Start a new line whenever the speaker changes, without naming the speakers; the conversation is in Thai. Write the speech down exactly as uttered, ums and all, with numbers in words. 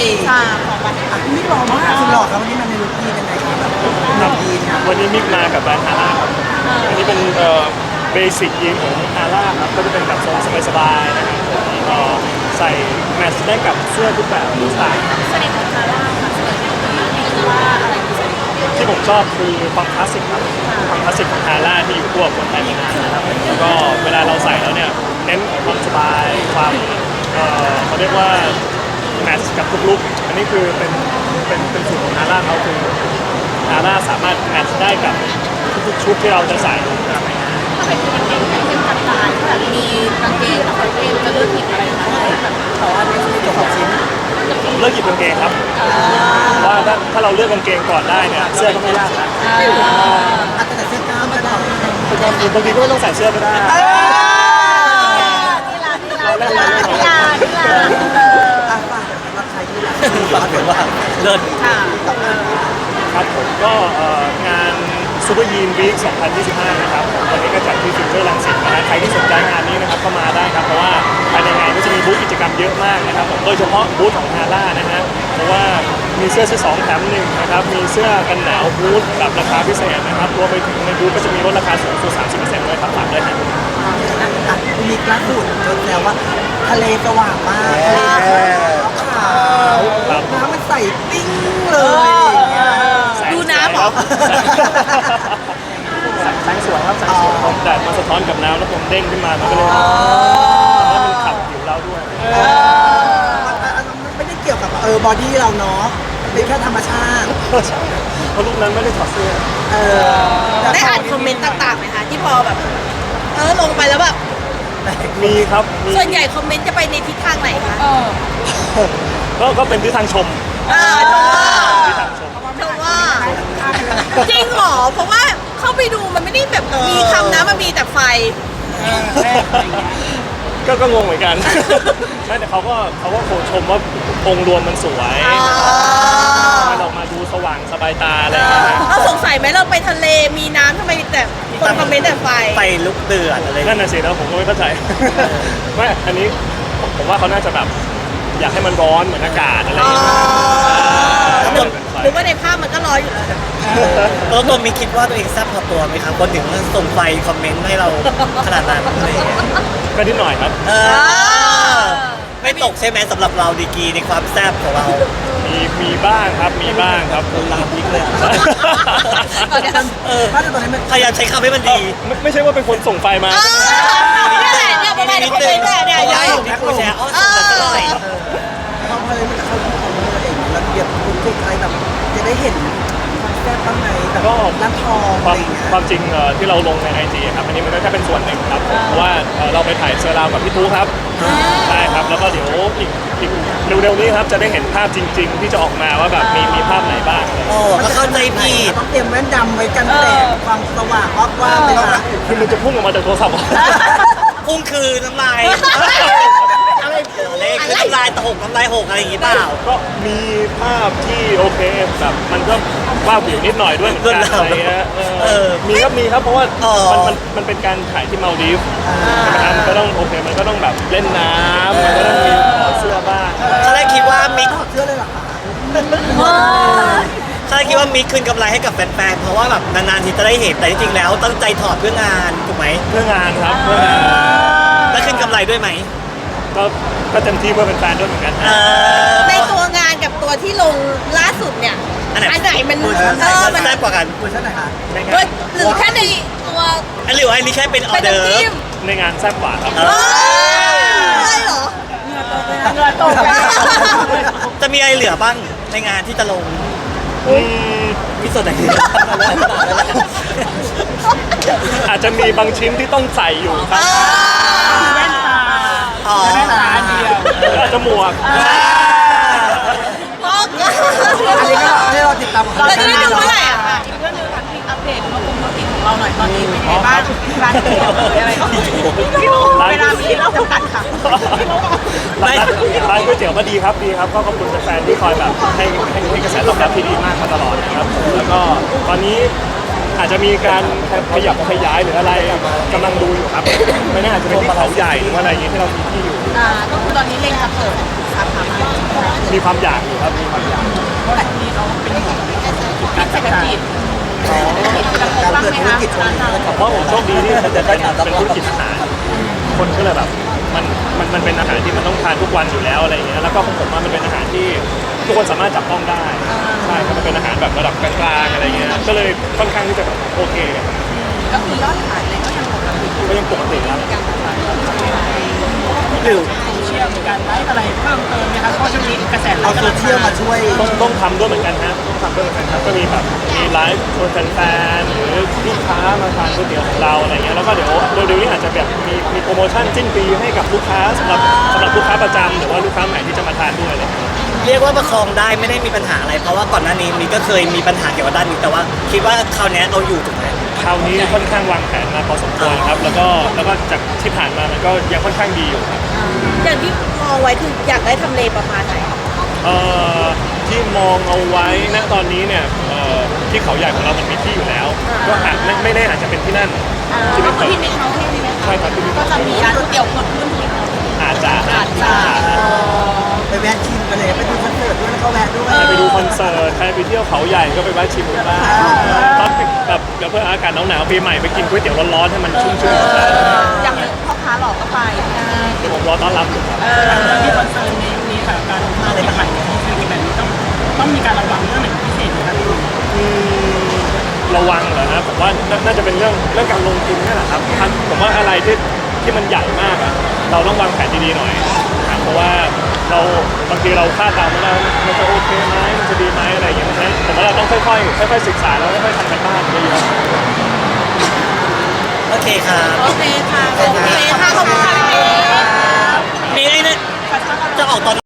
ชาของบัตร
นี่หล่อมากสุดหล่อครับวันนี้มันในลุคยีนยังไงครับแบบแบบยีนครับ
วันนี้มิกมากับแบรนด์ฮาร่าครับอันนี้เป็นเอ่อเบสิกยีนของฮาร่าครับก็จะเป็นแบบทรงสบายๆนะครับแล้วก็ใส่แมทช์ได้กับเสื้อทุกแบบทุกสไตล์
เสน่ห์ของคาร่าค่ะเสน่ห์ของคาร่านี่คือว่าอะไรคือเสน่ห์ของคาร่า
ที่ผมชอบคือความคลาสสิกครับความคลาสสิกของฮาร่าที่อยู่คู่กับคนไทยมานานนะครับแล้วก็เวลาเราใส่แล้วเนี่ยเน้นความสบายความเอ่อเขาเรียกว่าแมทช์กับทุกลุคอันนี้คือเป็นเป็นเป็นสูตรของฮาร่าเขาคือฮาร่าสามารถแมทช์ได้กับทุกๆชุดที่เราจะใส่นะครับ
ถ้าเป็นกางเกงไทยเป็นกางลายแบบมีกางเกงกับกางเกงจะเลือกหยิบอะไรคะแบบ
แต่ว่าไม่ใช่จบของชิ้น
ผมเลือกหยิบกางเกงครับเพราะว่าถ้าถ้าเราเลือกกางเกงก่อนได้เนี่ยเสื้อก็ไม่ยากนะ
อาจจะใส่เสื้อกล้ามก็ได้
บางทีบางทีก็ไม่ต้องใส่เสื้อก็ได้
นี่ลานี่ลานี่ลานี่ลานี่ลา
อ่ะฝากสำหรับใครที่รักฝากเป็นว่าเลิศ
ค่ะ
ครับผมก็เอ่องานซูเปอร์ยีนวีคสองพันยี่สิบห้านะครับวันนี้ก็จัดที่ฟิวเจอร์รังสิตนะฮะใครที่สนใจงานนี้นะครับก็มาได้ครับเพราะว่าภายในงานก็จะมีบูธกิจกรรมเยอะมากนะครับผมโดยเฉพาะบูธของฮาร่านะฮะเพราะว่ามีเสื้อซื้อสองแถมหนึ่งนะครับมีเสื้อกันหนาวบูธแบบราคาพิเศษนะครับรวมไปถึงในบูธก็จะมีลดราคาสูงสุดสามสิบเปอร์เซ็นต์ด้วยครับฝากด้วยนะ
อ่ะมีกระสุนจนแล้วว่าทะเลสว่างมากทะเลขาวน้ำมันใสปิ้งเลยอย่างเงี้ย
ดูน้ำเหรอ
แสงสวยครับแสงสวยผมแดดมาสะท้อนกับน้ำแล้วผมเด้งขึ้นมามันก็เลยทำให้มันขับผิวเราด้วย
มันไม่ได้เกี่ยวกับเออบอดี้เราเนาะเป็นแค่ธรรมชาติ
เพราะรูปนั้นไม่ได้ถอดเสื้อ
เออ
ได้อ่านคอมเมนต์ต่างๆไหมคะที่พอแบบ เออลงไปแล้วแบบ
มีครับมี
ส่วนใหญ่คอมเมนต์จะไปในทิศทางไหนคะ
ก็ก็เป็นที่ทางชม
เออชมว่า
ที่ทางชม
ชมว่าจริงเหรอเพราะว่าเข้าไปดูมันไม่ได้แบบมีคำนะมันมีแต่ไฟ
ก็ก็งงเหมือนกัน ไม่แต่เขาก็เขาก็โคชมว่าองค์รวมมันสวยมันออกมาดูสว่างสบายตาอะไรอย่างเงี้ยนะ
เราสงสัยไหมเราไปทะเลมีน้ำทำไมแต่คนคอมเมนต์แต่ไฟ
ไปลุกเดือดอะไร
นั่นน่ะสิแล้วผมก็ไม่เข้าใจ ไม่อันนี้ผมผมว่าเขาน่าจะแบบอยากให้มันร้อนเหมือนอากาศอะไรอย่างเงี้ย
หรือหรือว่าในภาพมันก็ร้อนอยู่แล้ว
ตัวตัวมีคิดว่าตัวเองแซ่บพอตัวไหมครับคนถึงส่งไฟคอมเมนต์ให้เราขนาดนั้นอะไรอย่างเงี้ย
ก็นิดหน่อยครับ
เออไม่ตกใช่ไหมสำหรับเราดีกรีในความแซ่บของเรา
มีมีบ้างครับมีบ้างครับ
ลามพิกเลย
เออถ้าตอนนี้มัน
พยายามใช้คำให้มันดี
ไม่ไม่ใช่ว่าเป็นคนส่งไฟมา
นี่แหละเนี่ยประมาณในคอมเมนต์เนี่ยเนี่ย
เพราะ
เย
ว่า
อะ
เห็นพี่ปูแชร์อ๋อสุดอร่อย
เอาเลยมันจะเข้าที่ของเราเองแล้วเดี๋ยวคุณทุกใครแบบจะได้เห็นความแซ่บบ้างไหมแบบร้านทอง
ค
อะ
วา
ไร
ม
อย่างเงี้ย
ความจริงเอ่อที่เราลงในไอจีครับอันนี้มันก็แค่เป็นส่วนหนึ่งครับเพราะว่าเอ่อเราไปถ่ายเซอร์ราวกับพี่ทูครับใช่ครับแล้วก็เดี๋ยวอีกอีกเร็วๆนี้ครับจะได้เห็นภาพจริง ๆ ที่จะออกมาว่าแบบมีมีภาพไหนบ้างอะไรอย่าง
โอ้
เงี้ย
ก็เข้าใจผิด
ต้องเตรียมแว่นดำไว้กันแสงความสว่างว่าว่าไปนะ
คือมันจะพุ่งออกมาจากโทรศัพท์
พุ่งคือน้ำลายอะไรเลขคือน้ำลายตกน้ำลายหกอะไรอย่างงี้เปล่า
ก็มีภาพที่โอเคแบบมันก็ว่าบวิวนิดหน่อยด้วยเหมือนกันอะไรเงี้ยเอ
เอ
อ
อ
มีครับมีครับเพราะว่า
อ๋อ
มันมันมันเป็นการถ่ายที่มาลดีฟนะครับมันก็ต้องโอเคมันก็ต้องแบบเล่นน้ำมันก็ต้องมีถอดเสื้อบ้าง
เขาได้คิดว่ามิก
เชื่อเลยเหรอคะ
เขาได้คิดว่ามิกคืนกำไรให้กับแฟนๆเพราะว่าแบบนานๆทีจะได้เห็นแต่จริงๆแล้วตั้งใจถอดเพื่องานถูกไหม
เพื่องานครับเพื่องาน
แล้วคืนกำไรด้วยไหม
ก็ก็เต็มที่เพื่อเป็นแฟนด้วยเหมือนกัน
เออ
ในตัวงานกับตัวที่ลงล่าสุดเนี่ย
อันไหน
อันไหนมัน
เวอร์ชันไหน
เออมัน
แซ่บกว่ากัน
เวอร์ชันไหนคะ
ใน
เว้
งาย น
หรือแค่ในตัว
อันหรือว่าอันนี้แค่เป็นออ
เป็น
เดอร์
น้ำจิ้ม
ในงานแซ่บกว่าครับ
เอ
เอ
อ
อใช่เหรอ
จะมีอะไรเหลือบ้างในงานที่จะลง
อืม
พิสูจน์ไหนดี
อาจจะมีบางชิ้นที่ต้องใส่อยู่ครับ
อ๋อ
อาจจะหมวก
พ่อก็
อันนี้ก็ให้เราติดตามของ
เราจะได้ดูเมื่อไหร่อ่ะ
อีกเรื่องหนึงค่ะที่อัปเดตว่าคงธุรกิจของเราหน่อยตอนนี้เป็นยังไงบ้างร้านก๋วยเตี๋ยวหรืออะไรอย่างเงี้ยเวลามีเราจำกัดค่ะ
ร้านร้านก๋วยเตี๋ยวก็ดีครับดีครับก็ขอบคุณแฟนๆที่คอยแบบให้ให้ให้กระแสตอบรับที่ดีมากมาตลอดนะครับแล้วก็ตอนนี้อาจจะมีการขยับขยายหรืออะไรกำลังดูอยู่ครับไม่แน่อาจจะเป็นที่เขาใหญ่หรือว่าอะไรอย่างเงี้ยที่เรามีที่อยู่
อ่าก็คือตอนนี้เล็งจะเปิดสาขาใหม่
มีความอยากอยู่ครับมีความอยาก
เพราะช่วงนี้เขาเป็นห่วงการเศรษฐกิจเศรษฐกิจกระทบ
การ
บ้าง
เกิด
ไหม
ธุร
คะ
กิจช่วงนี้ก็
เพราะผมโชคดีที่เป็นเป็นธุรกิจอาหารคนก็เลยแบบมันมันมันเป็นอาหารที่มันต้องทานทุกวันอยู่แล้วอะไรอย่างเงี้ยแล้วก็ของผมว่ามันเป็นอาหารที่ทุกคนสามารถจับต้องได้ใช่ครับมันเป็นอาหารแบบระดับกลางๆอะไรเงี้ยก็เลยค่อนข้างที่จะแบบโอเค
ก็คือยอดขายเลยก็ยังปกติ
ก็ยังปกติครับ
หรือ
โซเชียลมีการไลฟ์อะไรเพิ่มเติมไหมคะเพราะช่วงนี้กระแสไล
เอา
ฟ์
โซ
กำลัง
เชียลมาช่วย
ต้องต้องทำด้วยเหมือนกันฮะต้องทำด้วยเหมือนกันครับก็มีแบบมีไลฟ์ชวนแฟนๆหรือลูกค้ามาทานก๋วยเตี๋ยวของเราอะไรเงี้ยแล้วก็เดี๋ยวเร็วๆนี้อาจจะแบบมีมีโปรโมชั่นสิ้นปีให้กับลูกค้าสำหรับสำหรับลูกค้าประจำหรือว่าลูกค้าใหม่ที่จะมาทานด้วยอะไรเงี้ย
เรียกว่าประคองได้ไม่ได้มีปัญหาอะไร เพราะว่าก่อนหน้านี้มีก็เคยมีปัญหาเกี่ยวกับด้านนี้แต่ว่าคิดว่าคราวนี้เอาอยู่ถูกไหม
คราวนี้ค่อนข้างวางแผนมาพอสมควรครับแล้วก็แล้วก็จากที่ผ่านมามันก็ยังค่อนข้างดีอยู่ครับ
อย่างที่มองไว้คืออยากได้ทำเลประมาณไหน
เอ่อที่มองเอาไว้ณตอนนี้เนี่ยเอ่อที่เขาใหญ่ของเรามันมีที่อยู่แล้ว ก็อาจไม่ไม่แน่อาจจะเป็นที่นั่นที่
ก็
เป็น
คือที่ในเขาเทศนี่ไหมคะ
ใช่ครับที่มี
ก็จะมีร้านก๋วยเตี๋ยวเกิดขึ้น
อาจจะอาจจะ
ไปแวะชิมกันเลยไปดูคอนเสิร์ตด้วยแล้วก็แวะด้วย
ใครไปดูคอนเสิร์ตใครไปเที่ยวเขาใหญ่ก็ไปแวะชิมกันบ้างตอนแบบเดี๋ยวเพื่ออากาศหนาวๆปีใหม่ไปกินก๋วยเตี๋ยวร้อนๆให้มันชุ่มๆ
อย่างพ่อค้าหลอกก็ไป
เดี๋ยวผมรอต้อนรับอยู่ครับ
ที่คอนเสิร์ตนี้นี้ค่ะการมาในใหม่เนี่ยคือแบบนี้ต้องต้องมีการระวังเรื่องไหนพิเศษไหมคะ
อืมระวังเหรอนะผมว่าน่าน่าจะเป็นเรื่องเรื่องการลงทุนนี่แหละครับทำผมว่าอะไรที่ที่มันใหญ่มากอะเราต้องวางแผนดีๆหน่อยนะครับเพราะว่าเราบางทีเราคาดเดาไม่ได้ว่ามันจะโอเคไหมมันจะดีไหมอะไรอย่างเงี้ยนะผมว่าเราต้องค่อยๆค่อยๆศึกษาแล้วค่อยๆทำกันบ้านเยอะๆ
โอเคครับ
โอเคค่ะ โอเคค่ะ ขอบคุณค่ะ
มีไอ้เนี่ยจะออกตอน